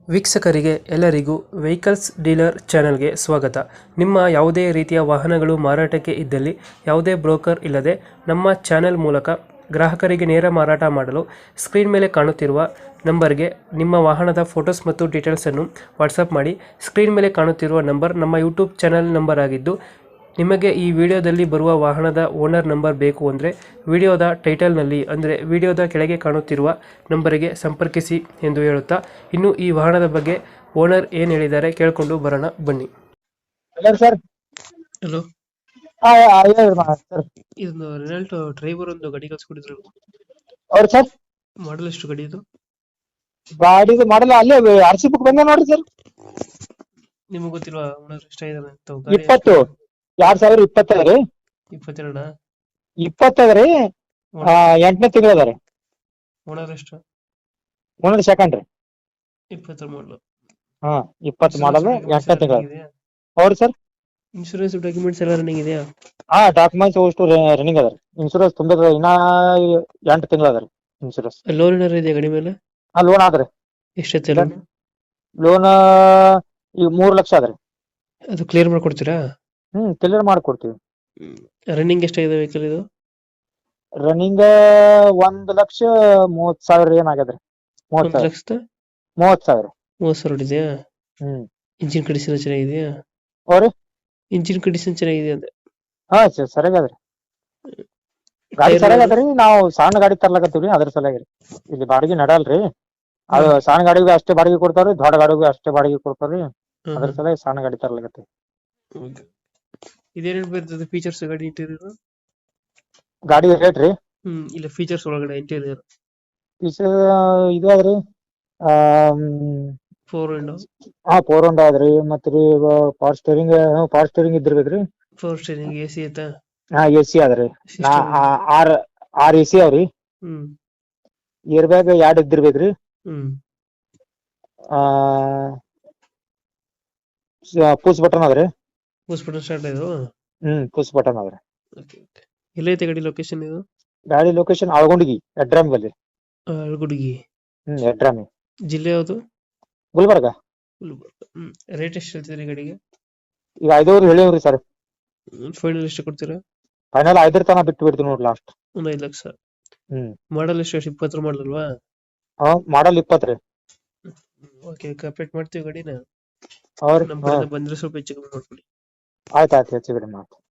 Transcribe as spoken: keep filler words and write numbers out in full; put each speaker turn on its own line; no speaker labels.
ವೀಕ್ಷಕರಿಗೆ ಎಲ್ಲರಿಗೂ vehicles dealer ಚಾನೆಲ್ಗೆ ಸ್ವಾಗತ. ನಿಮ್ಮ ಯಾವುದೇ ರೀತಿಯ ವಾಹನಗಳು ಮಾರಾಟಕ್ಕೆ ಇದ್ದಲ್ಲಿ ಯಾವುದೇ ಬ್ರೋಕರ್ ಇಲ್ಲದೆ ನಮ್ಮ ಚಾನೆಲ್ ಮೂಲಕ ಗ್ರಾಹಕರಿಗೆ ನೇರ ಮಾರಾಟ ಮಾಡಲು ಸ್ಕ್ರೀನ್ ಮೇಲೆ ಕಾಣುತ್ತಿರುವ ನಂಬರ್ಗೆ ನಿಮ್ಮ ವಾಹನದ ಫೋಟೋಸ್ ಮತ್ತು ಡೀಟೇಲ್ಸನ್ನು ವಾಟ್ಸಪ್ ಮಾಡಿ. ಸ್ಕ್ರೀನ್ ಮೇಲೆ ಕಾಣುತ್ತಿರುವ ನಂಬರ್ ನಮ್ಮ ಯೂಟ್ಯೂಬ್ ಚಾನೆಲ್ ನಂಬರ್ ಆಗಿದ್ದು, ನಿಮಗೆ ಈ ವಿಡಿಯೋದಲ್ಲಿ ಬರುವ ವಾಹನದ ಓನರ್ ನಂಬರ್ ಬೇಕು ಅಂದರೆ ವಿಡಿಯೋದ ಟೈಟಲ್ನಲ್ಲಿ ಅಂದರೆ ವಿಡಿಯೋದ ಕೆಳಗೆ ಕಾಣುತ್ತಿರುವ ನಂಬರಿಗೆ ಸಂಪರ್ಕಿಸಿ ಎಂದು ಹೇಳುತ್ತಾ, ಇನ್ನು ಈ ವಾಹನದ ಬಗ್ಗೆ ಓನರ್ ಏನು ಹೇಳಿದ್ದಾರೆ ಕೇಳಿಕೊಂಡು ಬರೋಣ ಬನ್ನಿ.
Hello sir.
ಹಲೋ,
ಹಾ ಹೇಳಿ ಸರ್.
ಇದೊಂದು ರೆನಾಲ್ಟ್ ಡ್ರೈವರ್ ಒಂದು ಗಾಡಿ ಕಳ್ಸಿಕೊಟ್ಟಿದ್ರು,
ಅವ್ರು ಸರ್
ಮಾಡಲ್ ಎಷ್ಟು ಗಾಡಿ ಇದು?
ಗಾಡಿದು ಮಾಡಲ್ಲ, ಅಲ್ಲೇ ಆರ್ ಸಿ ಬುಕ್ ಬಂದ ನೋಡ್ರಿ ಸರ್.
ನಿಮಗೆ ಗೊತ್ತಿಲ್ವಾ ಓನರ್ ಎಷ್ಟಾಗಿದ್ದಾನೆ ಅಂತ? ಗಾಡಿ
ಇಪ್ಪತ್ತು ಎರಡ್ ಸಾವಿರ ಇಪ್ಪತ್ತೈದು ರೀ.
ಇಪ್ಪತ್ತೆರಡ
ಇಪ್ಪತ್ತೈದು ರೀ. ಎಂಟನೇ ತಿಂಗಳು ಅದ ರೀ.
ಓನರ್ ಎಷ್ಟು?
ಒಂದ್ ಸೆಕೆಂಡ್ ರೀ.
ಇಪ್ಪತ್ತರ ಮಾಡಲು.
ಹಾ ಇಪ್ಪತ್ತು ಮಾಡಲ್ ಎಂಟನೇ ತಿಂಗಳು. ಹೌದು ಸರ್.
ಇನ್ಶೂರೆನ್ಸ್ ಡಾಕ್ಯುಮೆಂಟ್ಸ್ ಎಲ್ಲ ರನ್ನಿಂಗ್ ಇದೆಯಾ?
ಹಾ ಡಾಕ್ಯುಮೆಂಟ್ಸ್ ಅಷ್ಟು ರನ್ನಿಂಗ್ ಅದ ರೀ. ಇನ್ಶೂರೆನ್ಸ್ ತುಂಬಿದ ಇನ್ನ ಎಂಟು ತಿಂಗಳು ಅದ ರೀ ಇನ್ಶೂರೆನ್ಸ್.
ಲೋನ್ ಏನಾರು ಇದೆಯಾ ಗಾಡಿ ಮೇಲೆ?
ಹಾ ಲೋನ್ ಆದ್ರಿ.
ಎಷ್ಟೈತೆ ಲೋನ್?
ಲೋನ್ ಈಗ ಮೂರ್ ಲಕ್ಷ ಅದ ರೀ.
ಅದು ಕ್ಲಿಯರ್ ಮಾಡ್ಕೊಡ್ತೀರಾ?
ಹ್ಮ್ ಕ್ಲಿಯರ್ ಮಾಡ್ಕೊಡ್ತೀವಿ.
ರನ್ನಿಂಗ್ ಎಷ್ಟಾಗಿದೆ ವೆಹಿಕಲ್ ಇದು?
ರನ್ನಿಂಗ್ ಒಂದ್ ಲಕ್ಷ ಮೂವತ್ ಸಾವಿರ ಏನಾಗ್ಯದ್ರಿ. ಮೂವತ್
ಒಂದು
ಸಾವಿರ
ಲಕ್ಷದ
ಮೂವತ್ ಸಾವಿರ
ಮೂವತ್ತು ಸಾವಿರ ಇದೆಯಾ?
ಹ್ಮ್
ಇಂಜಿನ್ ಕಂಡೀಷನ್ ಚೆನ್ನಾಗಿದೆಯಾ?
ಅವ್ರಿ
ಇಂಜಿನ್ ಕಂಡೀಷನ್ ಚೆನ್ನಾಗಿದೆ ಅಂದೆ.
ಹಾ ಸರ್ ಸರಿಯಾಗದ್ರಿ. ಗಾಡಿ ಸರಿಯಾಗದ್ರಿ. ನಾವು ಸಣ್ಣ ಗಾಡಿ ತರ್ಲಕತ್ತೀವ್ರಿ, ಅದ್ರ ಸಲುವಾಗಿ ಇಲ್ಲಿ ಬಾಡಿಗೆ ನಡಲ್ರಿ. ಅದು ಸಣ್ಣ ಗಾಡಿಗೆ ಅಷ್ಟೇ ಬಾಡಿಗೆ ಕೊಡ್ತಾವ್ರಿ, ದೊಡ್ಡ ಗಾಡಿಗೂ ಅಷ್ಟೇ ಬಾಡಿಗೆ ಕೊಡ್ತಾವ್ರಿ. ಅದ್ರ ಸಲುವಾಗಿ ಸಣ್ಣ ಗಾಡಿ ತರ್ಲಕತ್ತೀವಿ.
ಇದೇನೇನು ಬರ್ತದೆ ಫೀಚರ್ಸ್ ಗಾಡಿ ಇಂಟೀರಿಯರ್?
ಗಾಡಿ ರೇಟ್ ರೀ?
ಹ್ಮ್ ಇಲ್ಲ ಫೀಚರ್ಸ್ ಒಳಗಡೆ ಇಂಟೀರಿಯರ್
ಇದು ಅದ್ರಿ.
Four window.
ಹಾ ಫೋರ್ ವಿಂಡೋ ಅದ್ರಿ. ಮತ್ರಿ ಪವರ್ ಸ್ಟೇರಿಂಗ್ ಪವರ್ ಸ್ಟೇರಿಂಗ್ ಇದ್ದಿರ್ಬೇಕ್ರಿ.
ಫೋರ್ ಸ್ಟೇರಿಂಗ್ ಎ ಸಿ ಐತಾ?
ಹಾ ಎ ಸಿ ಅದ್ರಿ. ಆರ್ ಆರ್ ಎ ಸಿ ಅವ್ರಿ.
ಹ್ಮ್
ಏರ್ ಬ್ಯಾಗ್ ಎರಡ್ ಇದ್ದಿರ್ಬೇಕ್ರಿ.
ಹ್ಮ್
ಆ ಪುಷ್ ಬಟನ್ ಅದ್ರಿ.
ಪುಷ್ ಬಟನ್ ಸ್ಟಾರ್ಟ್ ಇದು?
ಹ್ಮ್ ಪುಷ್ ಬಟನ್ ಅದ್ರಿ.
ಎಲ್ಲೈತೆ ಗಾಡಿ ಲೊಕೇಶನ್ ಇದು?
ಗಾಡಿ ಲೊಕೇಶನ್ ಆಳ್ಗೊಂಡಿಗಿ ಎಡ್ರಾಮಿ ಬಲ್ಲಿ.
ಅಳ್ಗುಡ್ಗಿ.
ಹ್ಮ್ ಎಡ್ರಾಮಿ.
ಜಿಲ್ಲೆ ಯಾವುದು?
ಗುಲ್ಬರ್ಗ.
ಗುಲ್ಬರ್ಗ. ಹ್ಮ್ ರೇಟ್ ಎಷ್ಟು ಹೇಳ್ತಿದ್ರಿ ಗಾಡಿಗೆ?
ಈಗ ಐದೂರು ಹೇಳಿವ್ರಿ ಸರ್.
ಫೈನಲ್ ಎಷ್ಟು ಕೊಡ್ತೀರಾ?
ಫೈನಲ್ ಐದರ ತನಕ ಬಿಟ್ಟು ಬಿಡ್ತೀವಿ ನೋಡಿ ಲಾಸ್ಟ್.
ಒಂದ್ ಐದು ಲಕ್ಷ.
ಹ್ಮ್
ಮಾಡಲ್ ಎಷ್ಟು? ಇಪ್ಪತ್ತರ ಮಾಡಲ್ ಅಲ್ವಾ?
ಹಾ ಮಾಡಲ್ ಇಪ್ಪತ್ತು ರೀ.
ಓಕೆ ಕಂಪ್ಲೀಟ್ ಮಾಡ್ತೀವಿ ಗಾಡಿನ.
ಅವ್ರಿ
ನಮ್ಮ ಕಡೆಯಿಂದ ಬಂದ್ರೆ ಸ್ವಲ್ಪ ಹೆಚ್ಚು ಕಮ್ಮಿ ಮಾಡ್ಕೊಡಿ.
ಆಯ್ತು ಆಯ್ತು ಹೆಚ್ಚು ಕಡಿಮೆ ಮಾಡ್ತೀವಿ.